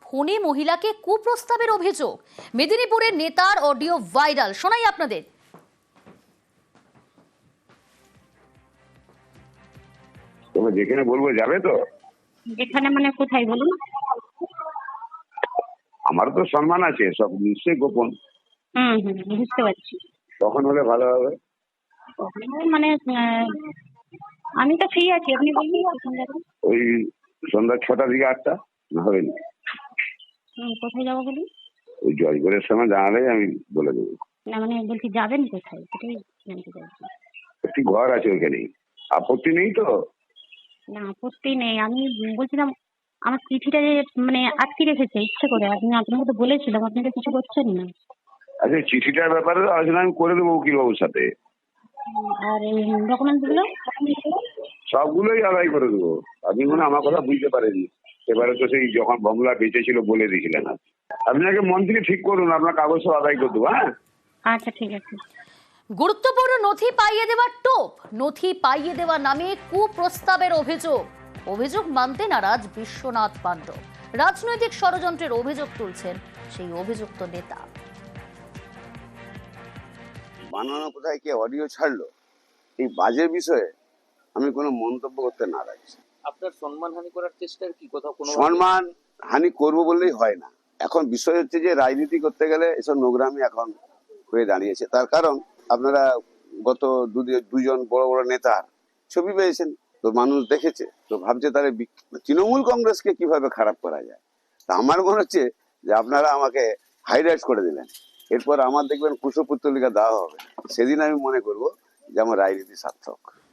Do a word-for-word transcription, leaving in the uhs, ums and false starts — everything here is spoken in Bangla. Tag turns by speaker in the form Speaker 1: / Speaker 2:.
Speaker 1: ফোনে মহিলাকে কুপ্রস্তাবের অভিযোগ। মেদিনীপুরের নেতার অডিও ভাইরাল, শোনাই আপনাদের।
Speaker 2: তবে যেখানে বলবো যাবে তো?
Speaker 3: যেখানে মানে কোথায় বলুন?
Speaker 2: আমার তো সম্মান আছে, সব নিশ্চয়ই গোপন।
Speaker 3: হুম হুম বুঝতে পারছি।
Speaker 2: তখন হলে ভালো হবে।
Speaker 3: মানে আহ, আমি তো ফ্রি আছি, আপনি বলুন কখন যাবেন।
Speaker 2: ওই সন্ধ্যা ছটা থেকে আটটা না হবে না?
Speaker 3: হুম, কোথায় যাবো বলুন?
Speaker 2: ওই জয়গড়ের সময় জানালেই আমি বলে দেবো।
Speaker 3: না মানে বলছি যাবেন কোথায় সেটাই জানতে চাইছি।
Speaker 2: একটি ঘর আছে ওইখানে, আপত্তি নেই তো?
Speaker 3: না আপত্তি নেই, আমি বলছিলাম আমার চিঠিটা যে মানে আটকে রেখেছে ইচ্ছে করে, আপনি আপনাকে তো বলেছিলাম, আপনি তো কিছু করছেন না।
Speaker 2: আচ্ছা, চিঠিটার ব্যাপারে আলোচনা আমি করে দেবো উকিলবাবুর সাথে।
Speaker 3: আর এই ডকুমেন্টসগুলো
Speaker 2: সবগুলোই আদায় করে দেবো। আপনি মনে হয় আমার কথা বুঝতে পারেননি। এবারে তো সেই যখন বমলা বেঁচেছিল বলে দিয়েছিলেন। আপনি আগে মন থেকে ঠিক করুন, আপনার কাগজ সব আদায় করে দেবো। হ্যাঁ
Speaker 3: আচ্ছা ঠিক আছে।
Speaker 1: গুরুত্বপূর্ণ নথি পাইয়ে দেওয়ার টোপ, নথি পাইয়ে দেওয়া নামে কুপ্রস্তাবের অভিযোগ। অভিযোগ মানতে নারাজ বিশ্বনাথ পাণ্ডব। রাজনৈতিক ষড়যন্ত্রের অভিযোগ তুলছেন সেই অভিযুক্ত নেতা।
Speaker 4: বানানো কোথায় কে অডিও ছাড়লো, এই বাজে বিষয়ে আমি কোনো মন্তব্য করতে নারাজ।
Speaker 5: আপনার সম্মানহানি করার চেষ্টার কি কোথাও কোনো
Speaker 4: সম্মান হানি করবো বললেই হয় না। এখন বিষয় হচ্ছে যে রাজনীতি করতে গেলে এসব নোংরামি এখন হয়ে দাঁড়িয়েছে। তার কারণ আপনারা গত দুদি- দুজন বড় বড় নেতার ছবি পেয়েছেন, তো মানুষ দেখেছে, তো ভাবছে তাহলে বিক- তৃণমূল কংগ্রেসকে কিভাবে খারাপ করা যায়। তা আমার মনে হচ্ছে যে আপনারা আমাকে হাইলাইট করে দিলেন, এরপর আমার দেখবেন কুশপুত্তলিকা দেওয়া হবে, সেদিন আমি মনে করব যে আমার রাজনীতি সার্থক।